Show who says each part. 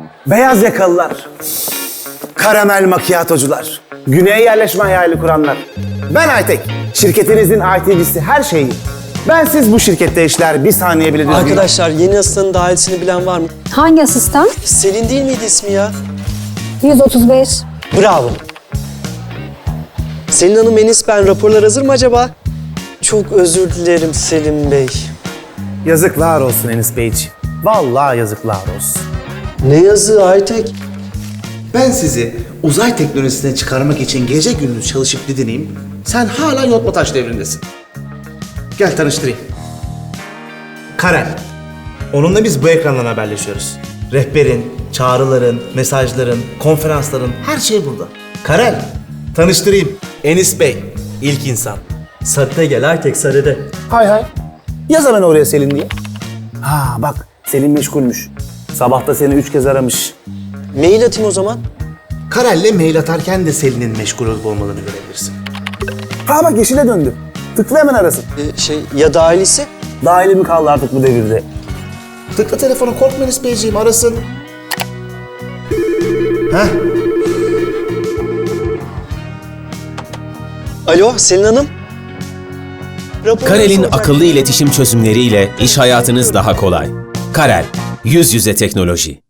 Speaker 1: Beyaz yakalılar, karamel makyatocular, güneye yerleşme hayali kuranlar. Ben Aytek, şirketinizin IT'cisi her şeyi. Bensiz bu şirkette işler bir saniye bile düzgün.
Speaker 2: Arkadaşlar yeni asistanın dairesini bilen var mı?
Speaker 3: Hangi asistan?
Speaker 2: Selin değil miydi ismi ya?
Speaker 3: 135.
Speaker 2: Bravo. Selin Hanım, Enis ben. Raporlar hazır mı acaba? Çok özür dilerim Selim Bey.
Speaker 1: Yazıklar olsun Enis Beyciğim. Vallahi yazıklar olsun.
Speaker 2: Ne yazığı Aytek?
Speaker 4: Ben sizi uzay teknolojisine çıkarmak için gece gündüz çalışıp didineyim. Sen hala yontma taş devrindesin. Gel tanıştırayım. Karel. Onunla biz bu ekrandan haberleşiyoruz. Rehberin, çağrıların, mesajların, konferansların her şey burada. Karel. Tanıştırayım. Enis Bey. İlk insan.
Speaker 2: Sarıda gel Aytek, sarıda.
Speaker 1: Hay hay. Yaz hemen oraya Selin diye. Ha bak, Selin meşgulmüş. Sabah da seni 3 kez aramış.
Speaker 2: Mail atayım o zaman.
Speaker 4: Karel'le mail atarken de Selin'in meşgul olup olmadığını görebilirsin.
Speaker 1: Ha bak yeşile döndü. Tıkla hemen arasın.
Speaker 2: Ya da ailesi?
Speaker 1: Dahili mi kaldı artık bu devirde?
Speaker 4: Tıkla telefonu, korkma Enis Beyciğim, arasın. Heh.
Speaker 2: Alo Selin Hanım.
Speaker 5: Karel'in akıllı iletişim çözümleriyle iş hayatınız daha kolay. Karel, yüz yüze teknoloji.